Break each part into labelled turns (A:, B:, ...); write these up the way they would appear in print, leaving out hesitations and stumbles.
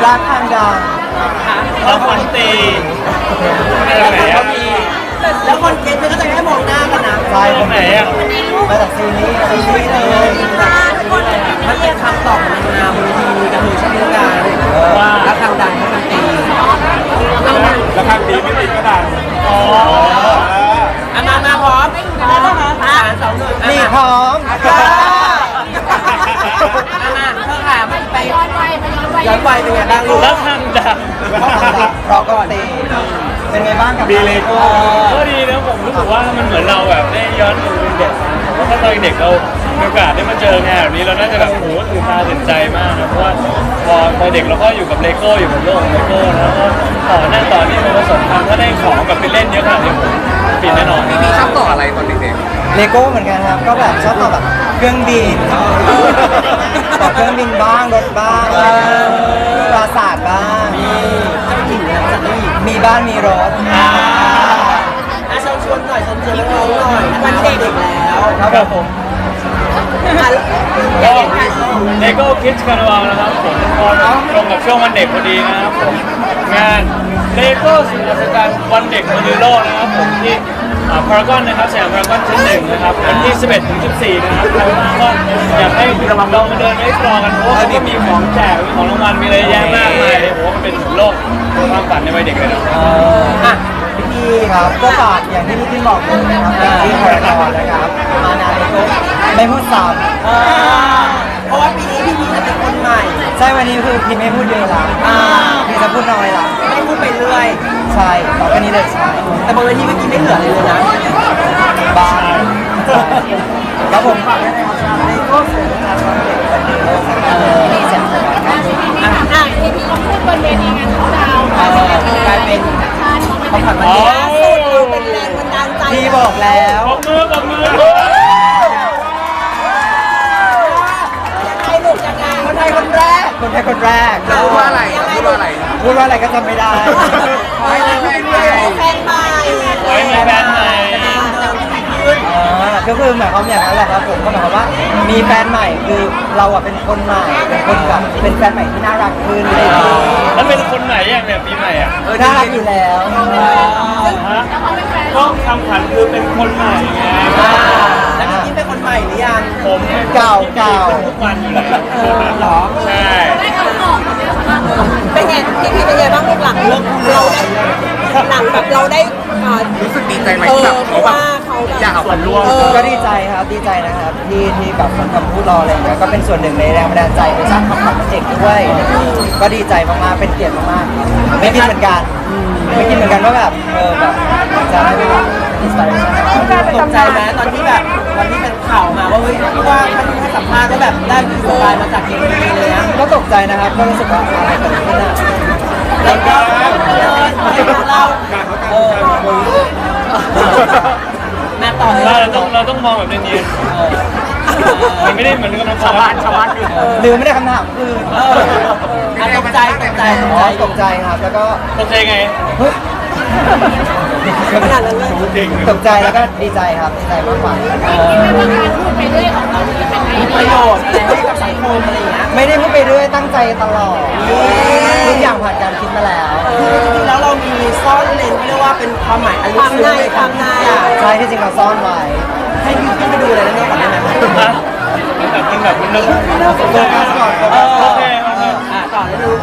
A: รักทางดัง
B: แล้วคนตีอะไรไหนอ่ะ
A: แล้วคนเก็ตมันก็จะแค่มองหน้ากันนะใช่
B: ตรงไหนอ่ะ
A: มาจากซีรีส์เลยมันเป็นคำตอบของนางบนทีวีกันเลยใช่ไหมกันว่ารักทางดังให้มันตี
B: แล้วข้างตีไม่ติดก็ดังอ๋อ
A: มาพร้อม3 2 1นี่พร้อมมาเธอค่ะมันไปย้อนวัยเป็นไงบ้างลูก
B: แล้วข้างดัง
A: รอก่อนตีเป็นไงบ้างกับ
B: ดีเลยก็ดีนะผมรู้สึกว่ามันเหมือนเราแบบได้ย้อนดูเป็นเด็กเพราะถ้าตอนเด็กเรามีโอกาสได้มาเจองานแบบนี้เราน่าจะแบบโอ้โหตื่นตาตื่นใจมากนะเพราะว่าพอเด็กเราก็อยู่กับเลโก้อยู่กับโลกเลโก้แล้วก็ต่อหน้าต่อนี่มันผสมกันถ้าได้ของแบบไปเล่นเยอะขนาดนี้ผมปิดแน่นอน
C: พี่ชอบต่ออะไรตอนเด็ก
A: เลโก้เหมือนกันครับก็แบบชอบต่อแบบเครื่องบินต่อเครื่องบินบ้างรถบ้างปราสาทบ้างมีบ้านมีรถชวนหน่อยชวนน้องหน่อยวันเด็กแล้วครับผม
B: ก็เลโก้คิดคาร์นวัลนะครับผมพอตรงกับช่วงวันเด็กพอดีนะครับผมงานเลโก้สิ่งอัศจรรย์วันเด็กบนโลกนะครับผมที่พารากอนนะครับสยามพารากอนชั้น 1นะครับวันที่ 11 ถึง 14 นะครับใครว่างก็อยากให้ลองมาเดินให้กรองกันเพราะว่าเขาก็มีของแจกมีของรางวัลมีอะไรแยะมากมายเลยผมว่ามันเป็นโลกความฝันในวัยเด็กเลยนะ
A: พี่ครับก็ฝากอย่างที่พี่บอกเลยนะครับที่พารากอนนะครับมานานเลโก้ไม่พูดซ้ำเพราะว่าปีนี้พี่จะเป็นคนใหม่ใช่วันนี้คือพี่ไม่พูดเยอะละพี่จะพูดน้อยละไม่พูดไปเรื่อยใช่ต่อไปนี้เลยใช่แต่บางวันที่เมื่อกี้ไม่เหลือเลยนะบ้าแล้วผมฝากด้วยนะครับเลโก้สวยงามวันเด็กวันเด็กที่เซ็นทรัลครับ
D: พี่ลองพูดบนเวทีงานเขาดาว
A: กลายเป็นของขวัญวันเด็กล่าสุดเราเป็นแรงบันดาลใจพี่บอกแล้ว
B: ปรบมือ
A: ใครหลุดยังไงคนไทยคนแรกพูดว่าอะไรก็จำไม่ได้ไม่ได้แฟนใหม่
B: มีแฟนใหม่
A: ก็คือหมายความอย่างนั้นแหละครับผมก็หมายความว่ามีแฟนใหม่คือเราอะเป็นคนใหม่เป็นคนแบบเป็นแฟนใหม่ที่น่ารักขึ้นเลย
B: แล้วเป็นคนไหนอย่างเนี่ยปีใหม่อ่ะ
A: น่ารักอยู่แล้ว
B: ก็คำขวัญคือเป็นคนใหม่ไง
A: แล้วพี่เป็นคนใหม่หรือยัง
B: ผม
A: เก่า
B: ทุกวันอยู่แล้ว
A: หรอ
B: ใช่
D: เป็นไงพี่เป็นไงบ้างลูกหลังเราได้หลังแบบเราได้
C: ๆรู้สึกดีใจไหมที่แบบเขาแบบอยากเอาคนร่วม
A: ก็ดีใจครับดีใจนะครับที่แบบคนคำพูดรออะไรอย่างเงี้ยก็เป็นส่วนหนึ่งในแรงบันดาลใจไปสร้างความฝันเด็กด้วยก็ดีใจมากๆเป็นเกียรติมากๆไม่คิดเหมือนกันว่าแบบแบบจะได้แบบอินสปิเรชั่นตกใจไหมตอนที่แบบวันที่เป็นข่าวมาว่าเฮ้ยว่าท่านให้สัมภาษณ์ก็แบบได้อินสปายมาจากเกมนี้เลยนะก็ตกใจนะครับก็รู้สึกว่าอะไรเกิดขึ้นอ่ะแล้วก็เราแม่ต่อ
B: เราต้องมองแบบเนียนๆมันไม่ได้เหมือนกับชาวบ้าน
A: หรือไม่ได้คำถามคือตกใจครับแล้วก็
B: ตกใจไง
A: ขนาดนั้นเลยตกใจแล้วก็ดีใจครับดีใจมากกว่าประโยชน์อะไรให้กับสังคมอะไรอย่างเงี้ยไม่ได้พูดไปเรื่อยตั้งใจตลอดทุกอย่างผ่านการคิดมาแล้วจริงๆแล้วเรามีซ่อนเลนที่เรียกว่าเป็นความหมายอันลึกซึ้งในความในใช่ที่จริงเราซ่อนไว้ให้พี่ขึ้นไปดูเลยนะเนี่ยก่อนได้ไหม
B: มันแบบมันนึก
A: โฟกัสก่อน
B: โอเค
A: ต่อแล้วดู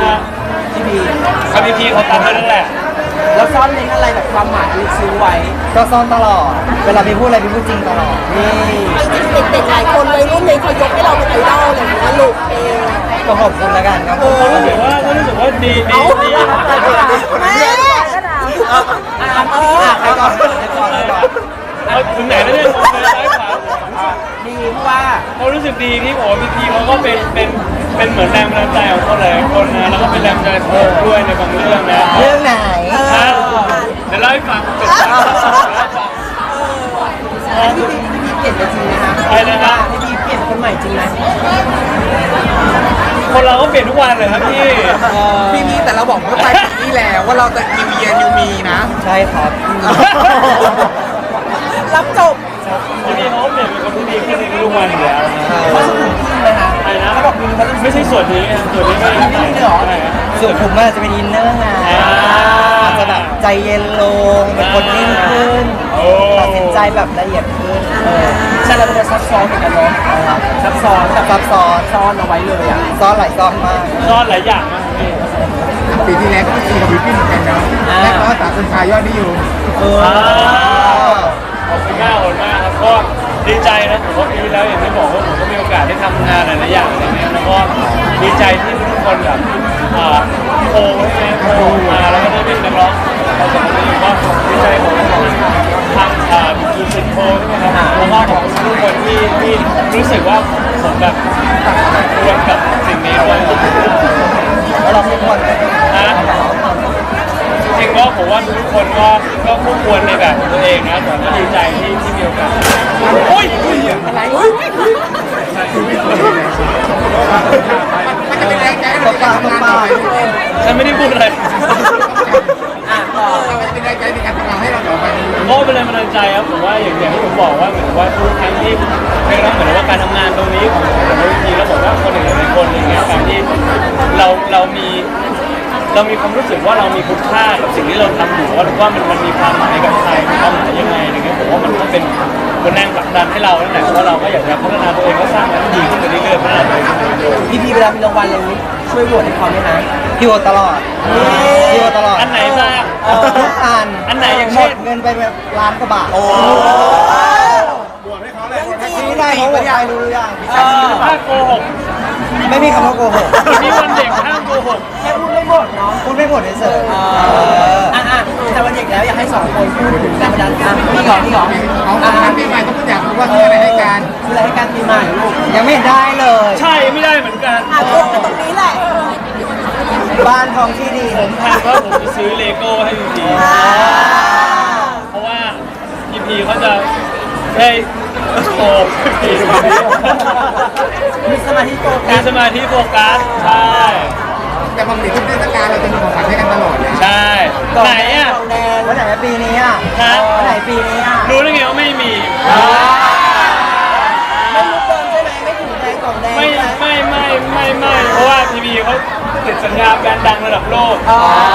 B: พี่พีเขาตัดไปนั่นแหละ
A: แล้วซ่อนเลนอะไรแบบความหมายลึกซึ้งไว้ก็ซ่อนตลอดเวลาพี่พูดอะไรพี่พูดจริงตลอดนี่
D: จริงๆเด็กๆหลายคนเลยรุ่นนี้เขายกให้เราเป็นไอดอลเลยนะลูก
A: ก็ขอบคุณแล้วกันครับ
B: รู้สึกว่าดี
D: แม่
A: ใครก่อน
B: เอาถึงไหนแล้วเนี่ย
A: ดีเพราะว่า
B: เขารู้สึกดีที่โอ้พีพีเขาก็เป็นเหมือนแรงบันดาลใจของคนหลายคนนะแล้วก็เป็นแรงบันดาลใจด้วยในบางเรื่องนะ
A: เรื่องไหน
B: เดี๋ยวเล่าให้ฟัง
A: พี่เปลี่ยนจริงไหมคะ
B: ใช่นะ
A: พี่เปลี่ยนคนใหม่จริงไหม
B: คนเราก็เปลี่ยนทุกวันเลยครับ
C: พี่แต่เราบอกเมื่อปลายปีที่แล้วว่าเราจะนิวเยียร์นิวมีนะ
A: ใช่ครับ
D: รับจบ
B: พี่เขาเปลี่ยนเป็นคนที่ดีขึ้นในทุกวันอยู่แล้ว
A: เขาสุขุมขึ้นเลยนะ
B: ใช่นะ
A: เขาบอกมีมัน
B: ไม่ใช่ส่วนนี้นะส่วนนี้ไม่ได้หรอ
A: ส่วนผมมันจะเป็นอินเนอร์ไงอาจจะแบบใจเย็นลงเป็นคนนิ่งขึ้นตัดสินใจแบบละเอียดขึ้นใช่แล้วมันจะซับซ้อนเหมือนกันเนาะซับซ้อนแบบซับซ้อนซ่อนเอาไว้เลยอ่ะซ่อนหลายซ่อนมาก
B: ซ่อนหลายอย่างมากพี่
C: ปีที่แล้วก็ไปตีกับบิวกิ้นเหมือนกันเนาะแรกก็สาวคนชายยอดนิยม
B: ขอบคุณมากขอบคุณมากครับก็ดีใจนะผมว่าปีที่แล้วอย่างที่บอกว่าผมก็มีโอกาสได้ทำงานหลายๆอย่างอะไรเงี้ยแล้วก็ดีใจที่ทุกคนแบบโทรให้โทรมาแล้วก็ได้เป็นนักร้องเราสองคนก็ดีใจของทางยูสิโทรใช่ไหมครับแล้วก็ของทุกคนที่รู้สึกว่าผมแบบควรกับสิ่งนี้ด้วย
A: แล้วเราไม่ควร
B: นะจริงๆก็ผมว่าทุกคนก็คู่ควรในแบบของตัวเองนะแต่ก็ดีใจที่มีโอกาสโอ้ยอะไร
C: มันจะเป็นแรงใจให้
A: ต
C: เรา
A: บปากตบปาก
B: ฉันไม่ได้พูดอะไร
C: มันจะเป็นแรงใจในการทำงานให้เราต่อไป
B: ก็เป็นแรงบันดาลใจครับผมว่าอย่างที่ผมบอกว่าเหมือนว่าทุกครั้งที่ไม่รับเหมือนว่าการทำงานตรงนี้ของผมวิธีแล้วบอกว่าคนอื่นหลายคนอย่างเงี้ยการที่เรามีความรู้สึกว่าเรามีคุณค่ากับสิ่งที่เราทำอยู่ว่ามันมีความหมายกับใครมีความหมายยังไงอะไรเงี้ยผมว่ามันก็เป็นแรงผลักดันให้เราตั้งแต่ว่าเราก็อยากจะพัฒนาตัวเองก็สร้างมันดีขึ้นไปเรื่อยๆพัฒนาตัวเอง
A: พี่เวลามีรางวัลอะไรนี้ช่วยโหวตให้เขาไหมนะพี่โหวตตลอดพี่โหวตตลอด
B: อันไหนบ้าง
A: ทุกอัน
B: ไหนอย่าง
A: หม
B: เช่
A: ด
B: น
A: เงินไปแบบล้านกว่าบาท
C: บวชให้เขาเลย
A: นี่ได้เขาโหวตใครรู้หรือยัง
B: ถ้าโกหก
A: ไม่มีคำว่าโกหก
B: วันนี้วันเด็กห้ามโกหก
A: แค่พูดไม่หมดเนาะพูดไม่หมดเฉยแต่วันเด็กแล้วอยากให้สองคนพูดถึงแรงบันดาลใจพี่หรอ
C: ของงานปีใหม่ต้องพูดอยากรู้ว่าคืออะไรให้การ
A: คืออะไรให้การปีใหม่ลูกยังไม่ได้เลย
B: ใช่ไม่ได้เหมือนกัน
D: พูดกันตรงนี้แหละ
A: บ้านทองที่ดี
B: ผมแทนว่าผมจะซื้อเลโก้ให้พีพีเพราะว่าพีพีเขาจะได้โตพี
A: มีสมาธิโฟกั
B: มี
A: ส
B: สมาธิโฟกัสใช่
C: แต่บางทีทุกเทศกาลเราจะมีของขวัญให้กันตลอดนะ
B: ใช่ไหนอ่ะ
A: แดงวันไหนปีนี้อ่ะ
B: ฮะ
A: วันไหนปีนี้อ่ะ
B: รู้ได้ไงว่าไม่มี
A: ไม่รู้เติมใช่ไหมไม่ถึงแดงกล่องแดง
B: ไม่เพราะว่าพีพีเขาติดสัญญาแบรนด์ดังระดับโลก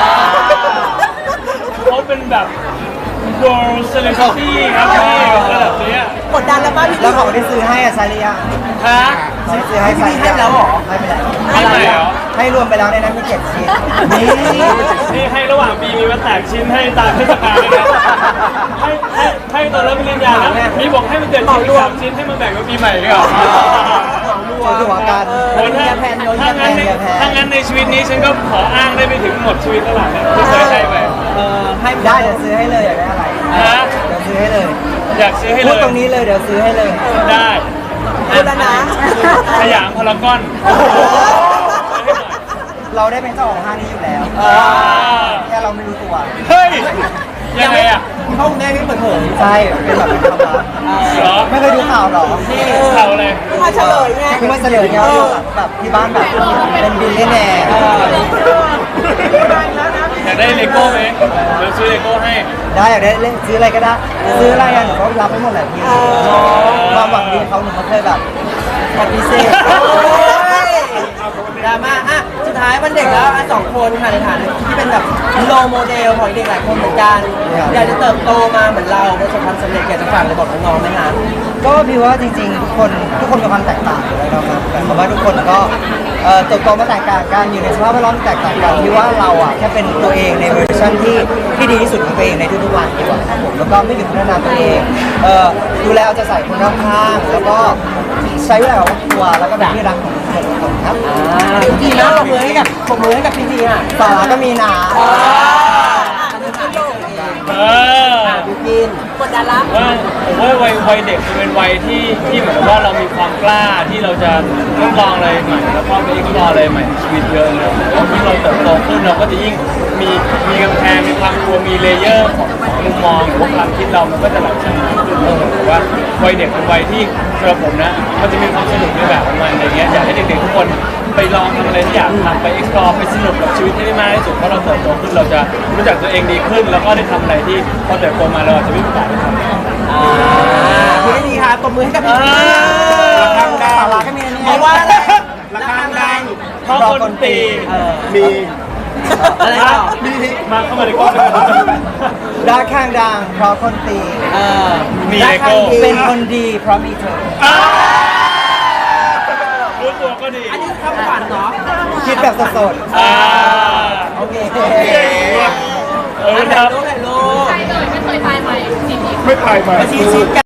B: เขาเป็นแบบ world celebrity ครับพี่ระดับนี้
D: กดดันแล้วป่ะพี่
A: แล้วของที่ซื้อให้อะซาเลีย
B: ฮะ
A: ซื้อให้ใส่ให้แล้วหรอให้ไปแล้ว
B: ให้ไปแล้ว
A: ให้รวมไปแล้วในนั้นมี7 ชิ้นนี่
B: นี่ให้ระหว่างปีมีมาแตกชิ้นให้ตามเทศกาลเลยนะให้ตอนรับปริญญานะมีบอกให้มันเกิดชิ้น3 ชิ้นให้มาแบ่งกับปีใหม่ด้วยเหรอ
A: ตัวหัวกัน
B: โอ้ถ้างั้นในชีวิตนี้ฉันก็ขออ้างได้ไปถึงหมดชีวิตเท่าไหร่นะที่เคยให้ไป
A: ให้ได้เดี๋ยวซื้อให้เลยอยากได้อะไร
B: ฮะ
A: เดี๋ยวซื้อให้เลย
B: อยากซื้อให้
A: พู
B: เล
A: ด
B: ย
A: ตรงนี้เลยเดี๋ยวซื้อให้เลย
B: ได้
D: พูดแล้วนะ
B: สยามพารากอน
A: เราได้เป็นเจ้าของห้างนี้อยู่แล้วแค่เราไม่รู้ตัว
B: เฮ้ยยังไงอ่ะ
A: ห้องแม่ไม่เปิดเผยใช่เป็นแบบเป็นความลับ
B: เหรอ
A: ไม่เคยดูข่าวหรอนี่
B: เขาเลย
D: มาเฉลยไง
A: คือว่าเสนอเนี่ยแบบที่บ้านแบบเป็นบิลเลียนแนร์
B: อยากได้เลโก้ไหมเดี๋ยวซื้อเลโก้ให้
A: ได้อยากได้เล่นซื้ออะไรก็ได้ซื้ออะไรอ่ะหนูก็รับไปหมดแหละพี่ความหวังดีเขาหนูเขาเคยแบบปฏิเสธดราม่าอ่ะสุดท้ายวันเด็กแล้วสองคนค่ะในฐานะที่เป็นแบบโลโมเดลของเด็กหลายคนเหมือนกันอยากจะเติบโตมาเหมือนเราประสบความสำเร็จอยากจะฝากอะไรบอกน้องๆไหมคะก็พี่ว่าจริงๆทุกคนมีความแตกต่างอยู่แล้วครับแต่ผมว่าทุกคนก็เติบโตมาแตกต่างกันอยู่ในสภาพแวดล้อมแตกต่างกันที่ว่าเราอ่ะแค่เป็นตัวเองในเวอร์ชันที่ดีที่สุดของตัวเองในทุกๆวันดีกว่าครับผมแล้วก็ไม่หยุดพัฒนาตัวเองดูแลเอาใจใส่คนรอบข้างแล้วก็ใช้เวลากับครอบครัวแล้วก็เป็นที่รักของทุกคนครับจริงๆนะปรบมือให้กับพี่อ่ะสาระก็มีนะ
B: เออ
A: บิวกิน
D: กดดันละ
B: ว่าผมว่าวัยเด็กมันเป็นวัยที่เหมือนกับว่าเรามีความกล้าที่เราจะทดลองอะไรใหม่แล้วก็ไปเอ็กซ์พลอร์อะไรใหม่ในชีวิตเยอะเลยแล้วยิ่งเราเติบโตขึ้นเราก็จะยิ่งมีกำแพงมีความกลัวมีเลเยอร์ของมุมมองหรือว่าความคิดเรามันก็จะหลั่งชั้นขึ้นแต่ว่าวัยเด็กเป็นวัยที่สำหรับผมนะมันจะมีความสนุกในแบบของมันอะไรเงี้ยอยากให้เด็กๆทุกคนไปลองทำอะไรที่อยากทำไป explore ไปสนุกกับชีวิตให้ได้มากที่สุดเพราะเราเติบโตขึ้นเราจะรู้จักตัวเองดีขึ้นแล้วก็ได้ทำอะไรที่พอเติบโตมาเราอาจจะไม่มีโอกาสได้ทำ
A: คุณได้ดีค่ะตบมือให้กับพี่
B: ทำได้
A: สาระก็มีอันนี้เพราะว่าอะไร
B: เพราะคนตี
C: มี
A: อะไรต่อ
B: มาเข้ามาในกล้อง
A: รักข้างดังเพราะคนตี
B: มี
A: รั
B: เล
A: ก
B: โก้
A: ข้างดีเป็นคนดีเพราะมีเธอ
B: รู้ตัวก็ดี
D: อันนี้คำขวัญเนาะ
A: คิดแบบสด
B: อ่า
A: ๆโอเค
B: เออครับ
D: ถ่ายรูป
B: ไม่ถ่ายมา
A: มาชี้ชิดกัน